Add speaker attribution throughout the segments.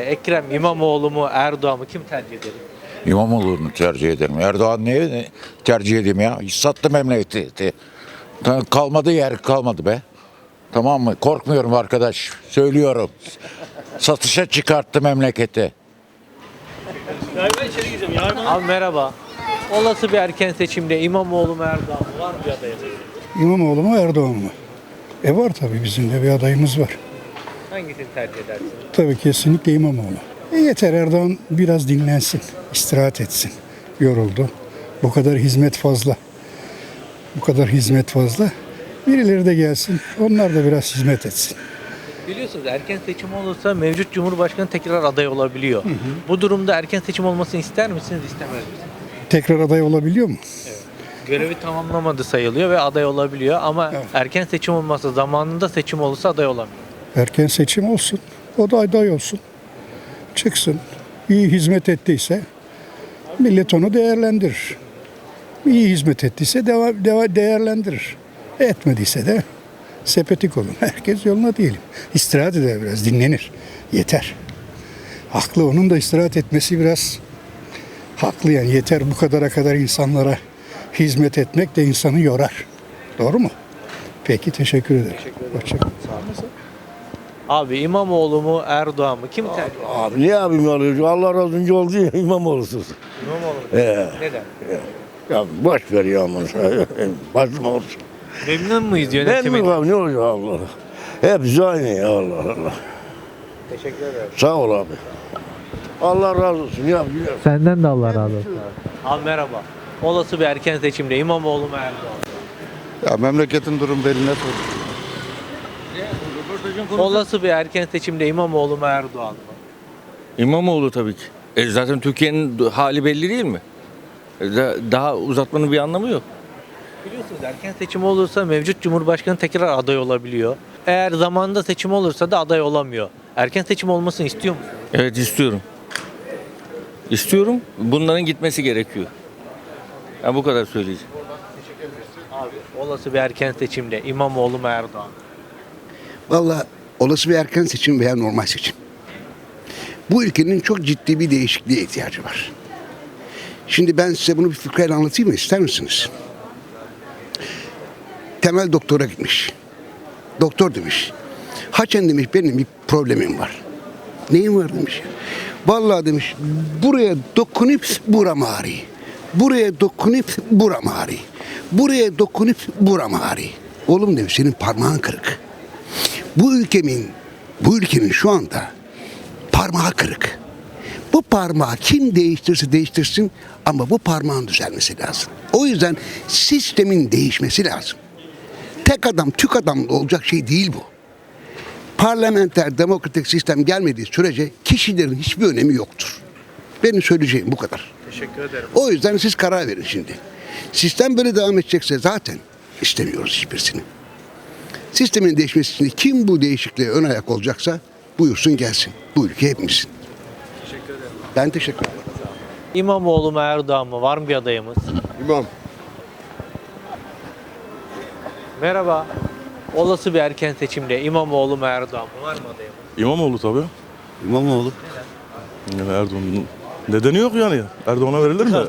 Speaker 1: Ekrem İmamoğlu mu Erdoğan mı kim tercih eder?
Speaker 2: İmamoğlu'nu tercih ederim. Erdoğan niye tercih edeyim ya? Hiç sattı memleketi. Kalmadı yer kalmadı be. Tamam mı? Korkmuyorum arkadaş. Söylüyorum. Satışa çıkarttı memleketi.
Speaker 1: Abi merhaba. Olası bir erken seçimde İmamoğlu mu Erdoğan mı var mı bir adayı?
Speaker 3: İmamoğlu mu Erdoğan mı? Var tabii bizim de bir adayımız var.
Speaker 1: Hangisini tercih edersiniz?
Speaker 3: Tabii kesinlikle İmamoğlu. Yeter Erdoğan biraz dinlensin, istirahat etsin. Yoruldu. Bu kadar hizmet fazla. Bu kadar hizmet fazla. Birileri de gelsin, onlar da biraz hizmet etsin.
Speaker 1: Biliyorsunuz erken seçim olursa mevcut Cumhurbaşkanı tekrar aday olabiliyor. Bu durumda erken seçim olmasını ister misiniz, istemez misiniz?
Speaker 3: Tekrar aday olabiliyor mu?
Speaker 1: Görevi tamamlamadı sayılıyor ve aday olabiliyor ama
Speaker 3: Evet.
Speaker 1: erken seçim olmasa zamanında seçim olursa aday olamıyor.
Speaker 3: Erken seçim olsun, o da aday olsun. Çıksın, iyi hizmet ettiyse millet onu değerlendirir. İyi hizmet ettiyse değerlendirir. Etmediyse de sepetik olun. Herkes yoluna diyelim. İstirahat eder biraz, dinlenir. Yeter. Haklı, onun da istirahat etmesi biraz haklı yani. Yeter, bu kadar insanlara hizmet etmek de insanı yorar. Doğru mu? Peki, teşekkür ederim. Hoşçakalın.
Speaker 1: Abi İmamoğlu mu Erdoğan mı kim tercih eder?
Speaker 4: Abi niye abim alıyor? Allah razı olsun ya İmamoğlu'suz.
Speaker 1: İmamoğlu mu?
Speaker 4: Ee,
Speaker 1: Neden?
Speaker 4: ya boş ver ya aman. Başım olsun.
Speaker 1: Memnun muyuz
Speaker 4: Ne mi
Speaker 1: yönetiminden?
Speaker 4: abi ne olacak Allah? Hepsi aynı ya Allah Allah.
Speaker 1: Teşekkür ederim.
Speaker 4: Sağ ol abi. Allah razı olsun ya. Biliyorum.
Speaker 1: Senden de Allah razı olsun. Abi merhaba. Olası bir erken seçimde İmamoğlu mu Erdoğan mı?
Speaker 5: Ya memleketin durum beline sor.
Speaker 1: Olası bir erken seçimde İmamoğlu mu Erdoğan mı?
Speaker 6: İmamoğlu tabii ki. Zaten Türkiye'nin hali belli değil mi? Daha uzatmanın bir anlamı yok.
Speaker 1: Biliyorsunuz erken seçim olursa mevcut Cumhurbaşkanı tekrar aday olabiliyor. Eğer zamanında seçim olursa da aday olamıyor. Erken seçim olmasını istiyor musunuz?
Speaker 6: Evet istiyorum. İstiyorum. Bunların gitmesi gerekiyor. Ya bu kadar söyleyeceğim.
Speaker 1: Abi olası bir erken seçimde İmamoğlu mu Erdoğan mı?
Speaker 7: Vallahi olası bir erken seçim veya normal seçim. Bu ülkenin çok ciddi bir değişikliğe ihtiyacı var. Şimdi ben size bunu bir fıkrayla anlatayım mı? İster misiniz? Temel doktora gitmiş. Doktor demiş. Haçen demiş benim bir problemim var. Neyin var demiş. Vallahi demiş buraya dokunup buram ağrıyor. Buraya dokunup buram ağrıyor. Buraya dokunup buram ağrıyor. Oğlum demiş senin parmağın kırık. Bu ülkenin şu anda parmağı kırık. Bu parmağı kim değiştirse değiştirsin ama bu parmağın düzelmesi lazım. O yüzden sistemin değişmesi lazım. Tek adam, tük adamla olacak şey değil bu. Parlamenter, demokratik sistem gelmediği sürece kişilerin hiçbir önemi yoktur. Benim söyleyeceğim bu kadar.
Speaker 1: Teşekkür ederim.
Speaker 7: O yüzden siz karar verin şimdi. Sistem böyle devam edecekse zaten istemiyoruz hiçbirisini. Sistemin değişmesi için kim bu değişikliğe ön ayak olacaksa buyursun gelsin. Bu ülke hepimizin.
Speaker 1: Teşekkür ederim.
Speaker 7: Ben teşekkür ederim.
Speaker 1: İmamoğlu mu Erdoğan mı? Var mı bir adayımız?
Speaker 5: İmam.
Speaker 1: Merhaba. Olası bir erken seçimde İmamoğlu mu Erdoğan mı? Var mı adayımız?
Speaker 5: İmamoğlu tabii.
Speaker 4: İmamoğlu.
Speaker 5: Yani Erdoğan'ın nedeni yok yani. Erdoğan'a verilir mi?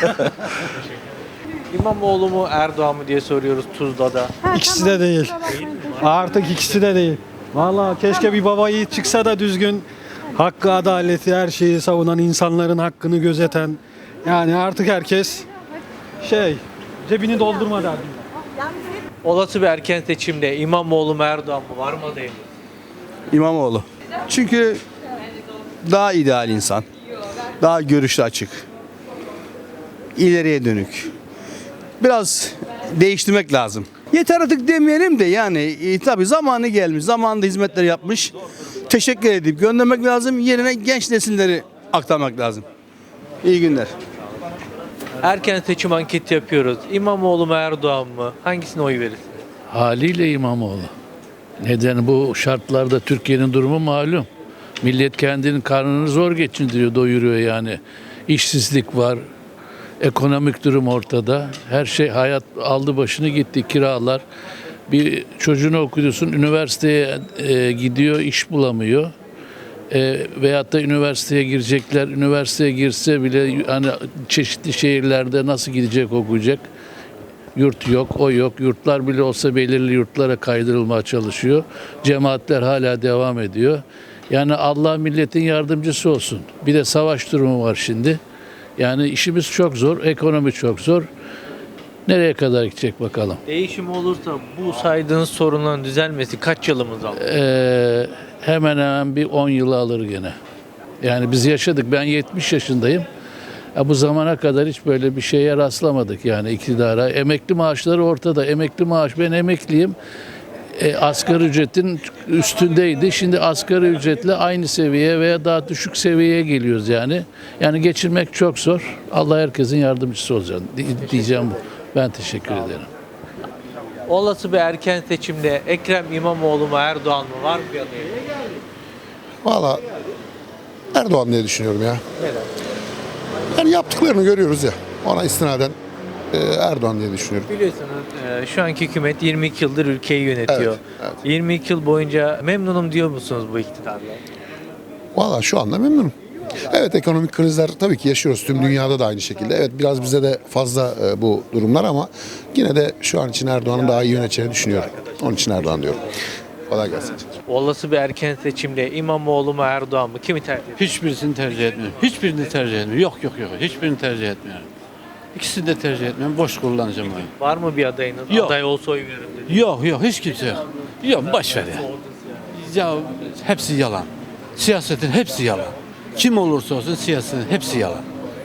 Speaker 1: İmamoğlu mu Erdoğan mı diye soruyoruz Tuzla'da.
Speaker 8: İkisi de değil. Artık ikisi de değil. Vallahi keşke bir baba yiğit çıksa da düzgün hakkı, adaleti, her şeyi savunan, insanların hakkını gözeten. Yani artık herkes cebini doldurma derdim.
Speaker 1: Olası bir erken seçimde İmamoğlu mu Erdoğan mı? Var mı adayımız?
Speaker 9: İmamoğlu. Çünkü daha ideal insan. Daha görüşü açık. İleriye dönük. Biraz değiştirmek lazım. Yeter artık demeyelim de yani tabii zamanı gelmiş. Zamanında hizmetler yapmış. Teşekkür edip göndermek lazım. Yerine genç nesilleri aktarmak lazım. İyi günler.
Speaker 1: Erken seçim anketi yapıyoruz. İmamoğlu mu Erdoğan mı? Hangisine oy verirsiniz?
Speaker 10: Haliyle İmamoğlu. Neden bu şartlarda Türkiye'nin durumu malum. Millet kendinin karnını zor geçindiriyor, doyuruyor yani. İşsizlik var, ekonomik durum ortada. Her şey hayat aldı başını gitti, kiralar. Bir çocuğunu okutuyorsun, üniversiteye gidiyor, iş bulamıyor. Veyahut da üniversiteye girecekler. Üniversiteye girse bile hani çeşitli şehirlerde nasıl gidecek, okuyacak? Yurt yok, o yok. Yurtlar bile olsa belirli yurtlara kaydırılmaya çalışıyor. Cemaatler hala devam ediyor. Yani Allah milletin yardımcısı olsun. Bir de savaş durumu var şimdi. Yani işimiz çok zor, ekonomi çok zor. Nereye kadar gidecek bakalım.
Speaker 1: Değişim olursa bu saydığınız sorunların düzelmesi kaç yılımız alır?
Speaker 10: Hemen hemen bir 10 yılı alır gene. Yani biz yaşadık. Ben 70 yaşındayım. Bu zamana kadar hiç böyle bir şeye rastlamadık yani iktidara. Emekli maaşları ortada. Emekli maaş, ben emekliyim. Asgari ücretin üstündeydi. Şimdi asgari ücretle aynı seviyeye veya daha düşük seviyeye geliyoruz yani. Yani geçirmek çok zor. Allah herkesin yardımcısı olacak diyeceğim bu. Ben teşekkür ederim.
Speaker 1: Olası bir erken seçimde Ekrem İmamoğlu mu Erdoğan mı var mı bir adayı?
Speaker 11: Valla Erdoğan diye düşünüyorum ya.
Speaker 1: Neden?
Speaker 11: Yani yaptıklarını görüyoruz ya. Ona istinaden Erdoğan diye düşünüyorum.
Speaker 1: Biliyorsunuz şu anki hükümet 22 yıldır ülkeyi yönetiyor.
Speaker 11: Evet, evet.
Speaker 1: 22 yıl boyunca memnunum diyor musunuz bu iktidarla?
Speaker 11: Valla şu anda memnunum. Evet, ekonomik krizler tabii ki yaşıyoruz. Tüm dünyada da aynı şekilde. Evet, biraz bize de fazla bu durumlar ama yine de şu an için Erdoğan'ın daha iyi yöneteceğini düşünüyorum. Onun için Erdoğan diyorum. Kolay gelsin.
Speaker 1: Olası bir erken seçimde İmamoğlu mu Erdoğan mı kimi tercih ediyor?
Speaker 12: Hiçbirisini tercih etmiyorum. Hiçbirini tercih etmiyorum. Yok. Hiçbirini tercih etmiyorum. İkisini de tercih etmiyorum. Boş kullanacağım oyu.
Speaker 1: Var mı bir adayınız?
Speaker 12: Yok.
Speaker 1: Aday olsa oy veririm dedi.
Speaker 12: Yok. Hiç kimse yok. Yok, boş ver ya. Ya hepsi yalan. Siyasetin hepsi yalan. Kim olursa olsun siyasetin hepsi yalan.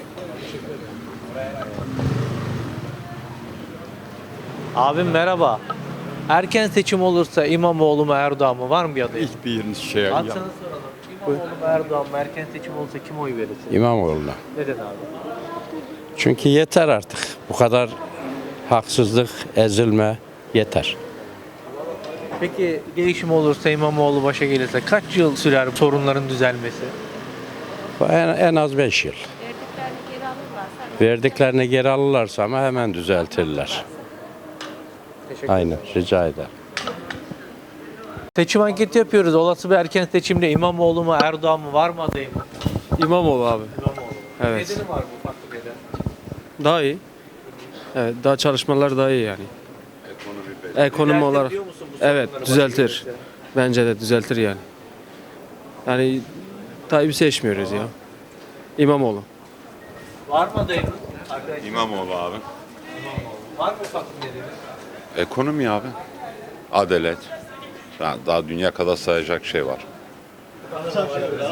Speaker 1: Abim merhaba. Erken seçim olursa İmamoğlu mu Erdoğan mı var mı bir adayınız?
Speaker 13: Hiçbir şey
Speaker 1: Hadi sana soralım. İmamoğlu mu Erdoğan mı erken seçim olursa kim oy verirsin?
Speaker 13: İmamoğlu'na.
Speaker 1: Neden abi?
Speaker 13: Çünkü yeter artık. Bu kadar haksızlık, ezilme yeter.
Speaker 1: Peki değişim olursa İmamoğlu başa gelirse kaç yıl sürer sorunların düzelmesi?
Speaker 13: En az 5 yıl. Verdiklerini geri alırlarsa ama hemen düzeltirler. Aynen, rica ederim.
Speaker 1: Seçim anketi yapıyoruz. Olası bir erken seçimde İmamoğlu mu Erdoğan mı var mı adayım?
Speaker 12: İmamoğlu abi.
Speaker 1: İmamoğlu.
Speaker 12: Evet.
Speaker 1: Nedeni var bu farklı bir neden?
Speaker 12: Daha iyi. Evet, daha çalışmalar daha iyi yani. Ekonomi
Speaker 1: Düzeltir
Speaker 12: olarak.
Speaker 1: diyor musun bu
Speaker 12: Evet,
Speaker 1: sorunları
Speaker 12: düzeltir.
Speaker 1: başa gelirse?
Speaker 12: Bence de düzeltir yani. Yani Tayyip'i seçmiyoruz ya. İmamoğlu.
Speaker 1: Var mı adayınız? Arkadaşlar,
Speaker 14: İmamoğlu abi.
Speaker 1: var mı farklı nedeni?
Speaker 14: Ekonomi abi. Adalet. Daha dünya kadar sayacak şey var.
Speaker 1: Var mı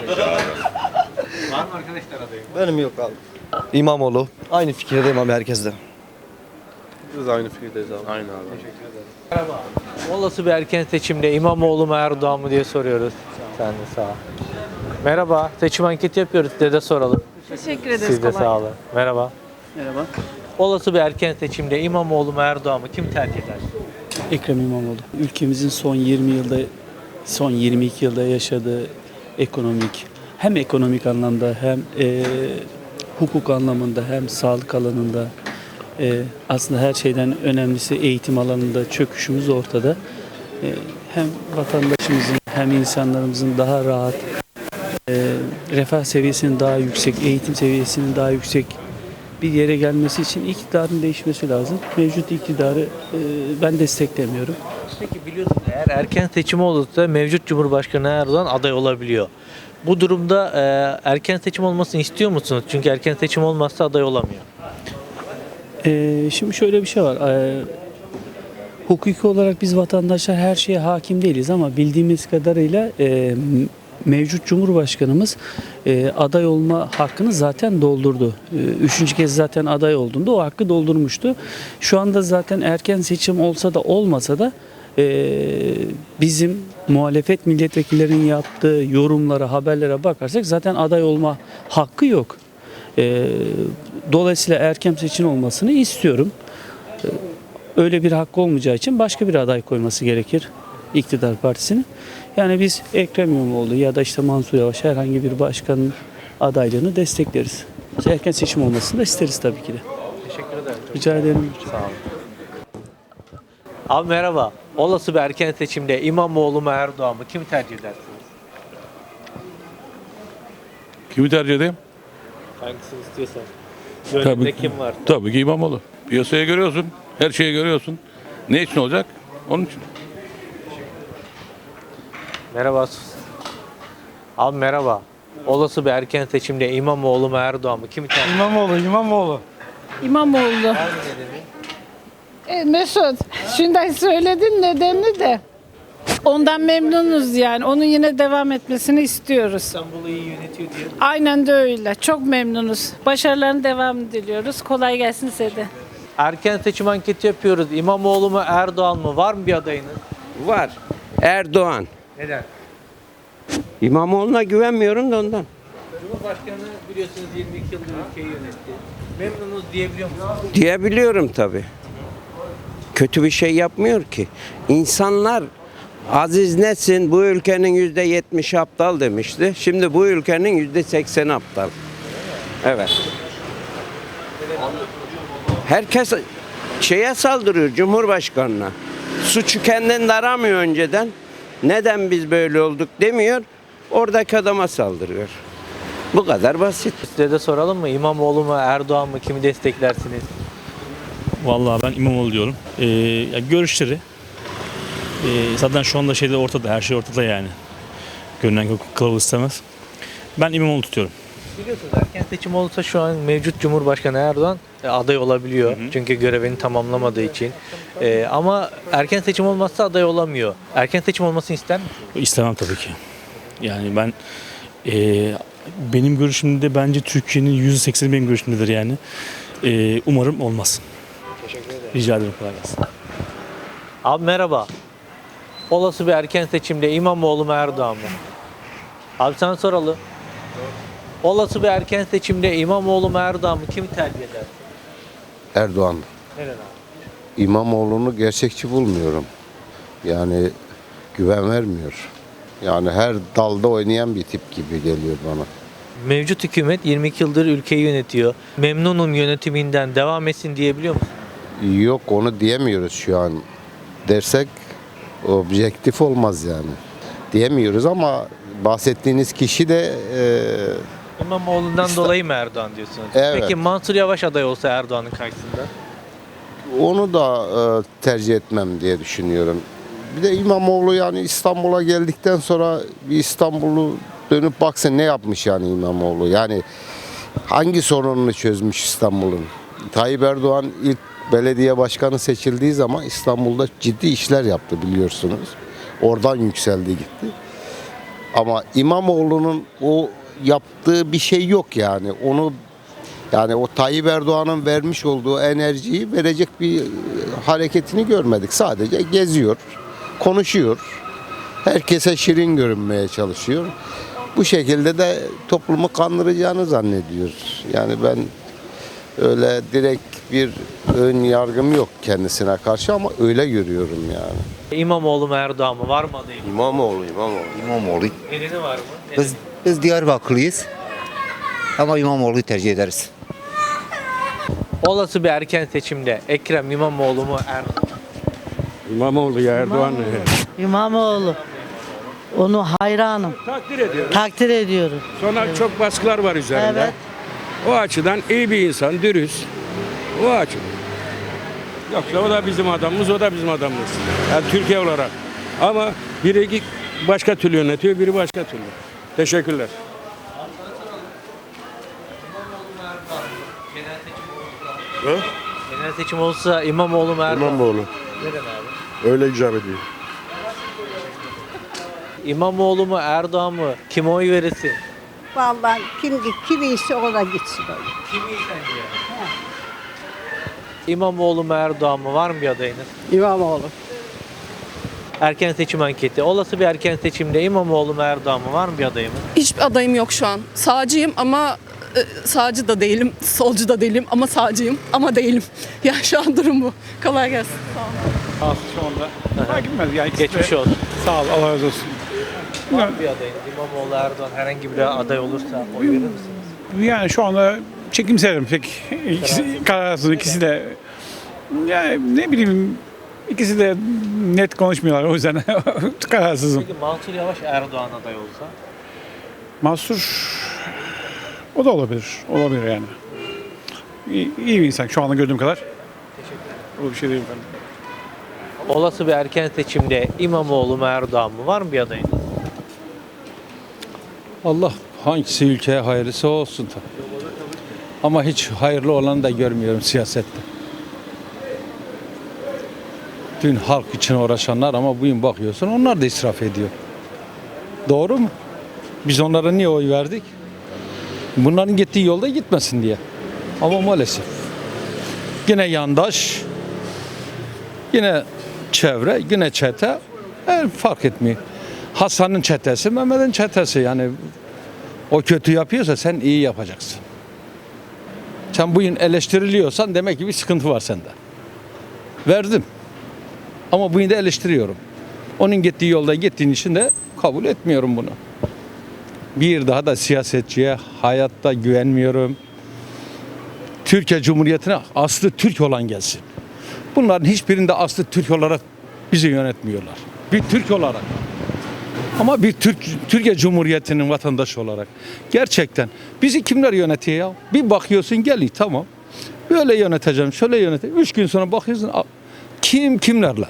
Speaker 1: arkadaşlar adayım?
Speaker 9: Benim yok abi. İmamoğlu. Aynı fikirdeyim abi herkesle.
Speaker 5: Biz aynı fikirdeyiz abi. Aynı abi.
Speaker 1: Merhaba. Olası bir erken seçimde İmamoğlu mu Erdoğan mı diye soruyoruz. Sen de sağ ol. Merhaba. Seçim anketi yapıyoruz. Size de soralım.
Speaker 15: Teşekkür ederiz.
Speaker 1: Siz de sağ olun. Merhaba.
Speaker 15: Merhaba.
Speaker 1: Olası bir erken seçimde İmamoğlu mu Erdoğan mı kim tercih eder?
Speaker 15: Ekrem İmamoğlu. Ülkemizin son 22 yılda yaşadığı hem ekonomik anlamda hem hukuk anlamında hem sağlık alanında aslında her şeyden önemlisi eğitim alanında çöküşümüz ortada. Hem vatandaşımızın hem insanlarımızın daha rahat, refah seviyesinin daha yüksek, eğitim seviyesinin daha yüksek bir yere gelmesi için iktidarın değişmesi lazım. Mevcut iktidarı ben desteklemiyorum.
Speaker 1: Peki biliyorsunuz eğer erken seçim olursa mevcut Cumhurbaşkanı Erdoğan aday olabiliyor. Bu durumda erken seçim olmasını istiyor musunuz? Çünkü erken seçim olmazsa aday olamıyor.
Speaker 15: Şimdi şöyle bir şey var. Hukuki olarak biz vatandaşlar her şeye hakim değiliz ama bildiğimiz kadarıyla mevcut Cumhurbaşkanımız aday olma hakkını zaten doldurdu. Üçüncü kez zaten aday olduğunda o hakkı doldurmuştu. Şu anda zaten erken seçim olsa da olmasa da bizim muhalefet milletvekillerinin yaptığı yorumlara, haberlere bakarsak zaten aday olma hakkı yok. Dolayısıyla erken seçim olmasını istiyorum. Öyle bir hakkı olmayacağı için başka bir aday koyması gerekir iktidar partisinin. Yani biz Ekrem İmamoğlu ya da işte Mansur Yavaş herhangi bir başkanın adaylığını destekleriz. Erken seçim olmasını da isteriz tabii ki de.
Speaker 1: Teşekkür ederim.
Speaker 15: Rica ederim.
Speaker 1: Sağ olun. Abi merhaba. Olası bir erken seçimde İmamoğlu mu Erdoğan mı kim tercih edersiniz?
Speaker 10: Kimi tercih edeyim?
Speaker 1: Hangisini istiyorsan. Gönlünde kim var?
Speaker 10: Tabii ki İmamoğlu. Piyasaya görüyorsun, her şeyi görüyorsun. Ne için olacak? Onun için.
Speaker 1: Merhaba. Abi merhaba. Olası bir erken seçimde İmamoğlu mu Erdoğan mı? Kimi tercih?
Speaker 8: İmamoğlu.
Speaker 16: İmamoğlu. Mesut, şimdi söyledin nedenini de. Ondan memnunuz yani. Onun yine devam etmesini istiyoruz.
Speaker 1: İstanbul'u iyi yönetiyor diye.
Speaker 16: Aynen de öyle. Çok memnunuz. Başarılarını devam diliyoruz. Kolay gelsin size de.
Speaker 1: Erken seçim anketi yapıyoruz. İmamoğlu mu Erdoğan mı? Var mı bir adayınız?
Speaker 13: Var. Erdoğan.
Speaker 1: Neden?
Speaker 13: İmamoğlu'na güvenmiyorum da ondan.
Speaker 1: Cumhurbaşkanı biliyorsunuz 22 yıldır ülkeyi yönetti. Memnunuz diyebiliyor musunuz?
Speaker 13: Diyebiliyorum tabii. Kötü bir şey yapmıyor ki. İnsanlar Aziz Nesin bu ülkenin %70'i aptal demişti. Şimdi bu ülkenin %80'i aptal. Evet. Herkes şeye saldırıyor, Cumhurbaşkanına. Suçu kendinde aramıyor önceden. Neden biz böyle olduk demiyor. Oradaki adama saldırıyor. Bu kadar basit.
Speaker 1: Size de soralım mı? İmamoğlu mu Erdoğan mı? Kimi desteklersiniz?
Speaker 17: Vallahi ben İmamoğlu diyorum. Görüşleri zaten şu anda şeyde ortada, her şey ortada yani. Görünen kılavuz istemez. Ben İmamoğlu tutuyorum.
Speaker 1: Biliyorsunuz erken seçim olursa şu an mevcut Cumhurbaşkanı Erdoğan aday olabiliyor. Çünkü görevini tamamlamadığı için. Ama erken seçim olmazsa aday olamıyor. Erken seçim olmasını ister misiniz?
Speaker 17: İstemem tabii ki. Yani ben benim görüşümde bence Türkiye'nin %80'i benim görüşümdedir yani. Umarım olmaz.
Speaker 1: Teşekkür ederim.
Speaker 17: Rica ederim, kolay gelsin.
Speaker 1: Abi merhaba. Olası bir erken seçimde İmamoğlu mu Erdoğan mı? Abi sana soralım. Olası bir erken seçimde İmamoğlu mu Erdoğan mı? Kimi tercih eder?
Speaker 18: Erdoğan.
Speaker 1: Neden abi?
Speaker 18: İmamoğlu'nu gerçekçi bulmuyorum. Yani güven vermiyor. Yani her dalda oynayan bir tip gibi geliyor bana.
Speaker 1: Mevcut hükümet 22 yıldır ülkeyi yönetiyor. Memnunum yönetiminden, devam etsin diyebiliyor musun?
Speaker 18: Yok, onu diyemiyoruz şu an. Dersek objektif olmaz yani. Diyemiyoruz ama bahsettiğiniz kişi de
Speaker 1: İmamoğlu'ndan dolayı mı Erdoğan diyorsunuz?
Speaker 18: Evet.
Speaker 1: Peki Mansur Yavaş aday olsa Erdoğan'ın karşısında?
Speaker 18: onu da tercih etmem diye düşünüyorum. Bir de İmamoğlu yani İstanbul'a geldikten sonra bir İstanbul'u dönüp baksa ne yapmış yani İmamoğlu? Yani hangi sorununu çözmüş İstanbul'un? Tayyip Erdoğan ilk belediye başkanı seçildiği zaman İstanbul'da ciddi işler yaptı biliyorsunuz. Oradan yükseldi gitti. Ama İmamoğlu'nun o yaptığı bir şey yok yani. Onu yani o Tayyip Erdoğan'ın vermiş olduğu enerjiyi verecek bir hareketini görmedik. Sadece geziyor, konuşuyor. Herkese şirin görünmeye çalışıyor. Bu şekilde de toplumu kandıracağını zannediyor. Yani ben öyle direkt bir ön yargım yok kendisine karşı ama öyle görüyorum yani.
Speaker 1: İmamoğlu mu Erdoğan mı? Var mı adayı?
Speaker 18: İmamoğlu.
Speaker 1: Nedeni var mı?
Speaker 19: Biz Diyarbakırlıyız ama İmamoğlu'yu tercih ederiz.
Speaker 1: Olası bir erken seçimde Ekrem İmamoğlu mu Erdoğan?
Speaker 4: İmamoğlu ya Erdoğan.
Speaker 20: İmamoğlu. Onu hayranım.
Speaker 4: Takdir ediyorum.
Speaker 20: Takdir ediyorum.
Speaker 4: Sonra çok baskılar var üzerinde.
Speaker 20: Evet.
Speaker 4: O açıdan iyi bir insan, dürüst. O açıdan. Yoksa o da bizim adamımız, o da bizim adamımız. Yani Türkiye olarak. Ama biri başka türlü yönetiyor, biri başka türlü. Teşekkürler.
Speaker 1: Genel seçim olsa İmamoğlu mu Erdoğan?
Speaker 5: İmamoğlu.
Speaker 1: Neden abi?
Speaker 5: Öyle icap ediyor.
Speaker 1: İmamoğlu mu Erdoğan mı? Kime oy verirsin?
Speaker 21: Vallahi kim iyisi o da gitsin öyle.
Speaker 1: Kim iyi sence? İmamoğlu mu Erdoğan mı? Var mı bir adayınız?
Speaker 21: İmamoğlu.
Speaker 1: Erken seçim anketi. Olası bir erken seçimde İmamoğlu mu Erdoğan mı? Var mı bir adayımız?
Speaker 22: Hiçbir adayım yok şu an. Sağcıyım ama sağcı da değilim, solcu da değilim ama sağcıyım ama değilim. Ya şu an durum bu. Kolay gelsin. Sağ olun.
Speaker 23: Şu anda. Fark etmez. Yani
Speaker 1: Geçmiş olsun.
Speaker 23: Sağ ol, Allah razı olsun.
Speaker 1: Var mı bir adayınız? İmamoğlu, Erdoğan herhangi bir aday olursa oy verir misiniz?
Speaker 23: Yani şu anda çekimserim pek. Kararsız ikisi de. Yani ne bileyim, ikisi de net konuşmuyorlar o yüzden kararsızım.
Speaker 1: Peki Mansur Yavaş Erdoğan aday olsa?
Speaker 23: Mansur O da olabilir. Olabilir yani. İyi bir insan şu anda gördüğüm kadar. O bir şey değil efendim.
Speaker 1: Olası bir erken seçimde İmamoğlu mu Erdoğan mı? Var mı bir adayın?
Speaker 2: Allah hangisi ülkeye hayırlısı olsun tabii. Ama hiç hayırlı olanı da görmüyorum siyasette. Dün halk için uğraşanlar ama bugün bakıyorsun onlar da israf ediyor. Doğru mu? Biz onlara niye oy verdik? Bunların gittiği yolda gitmesin diye. Ama maalesef. Yine yandaş, yine çevre, yine çete. Fark etmiyor. Hasan'ın çetesi, Mehmet'in çetesi. Yani o kötü yapıyorsa sen iyi yapacaksın. Sen bugün eleştiriliyorsan demek ki bir sıkıntı var sende. Verdim. Ama bugün de eleştiriyorum. Onun gittiği yolda gittiğin için de kabul etmiyorum bunu. Bir daha da siyasetçiye hayatta güvenmiyorum. Türkiye Cumhuriyeti'ne aslı Türk olan gelsin. Bunların hiçbirinde aslı Türk olarak bizi yönetmiyorlar. Bir Türk olarak. Ama bir Türkiye Cumhuriyeti'nin vatandaşı olarak. Gerçekten bizi kimler yönetiyor ya? Bir bakıyorsun gel tamam. Böyle yöneteceğim, şöyle yöneteceğim. 3 gün sonra bakıyorsun kimlerle?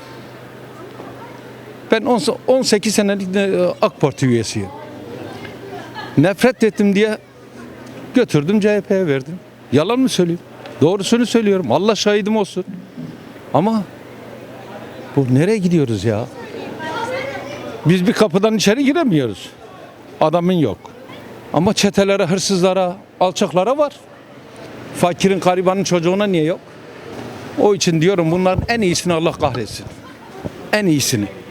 Speaker 2: Ben 18 senelik AK Parti üyesiyim. Nefret ettim diye götürdüm CHP'ye verdim. Yalan mı söyleyeyim? Doğrusunu söylüyorum. Allah şahidim olsun. Ama bu nereye gidiyoruz ya? Biz bir kapıdan içeri giremiyoruz. Adamın yok. Ama çetelere, hırsızlara, alçaklara var. Fakirin, garibanın çocuğuna niye yok? O için diyorum bunların en iyisini Allah kahretsin. En iyisini.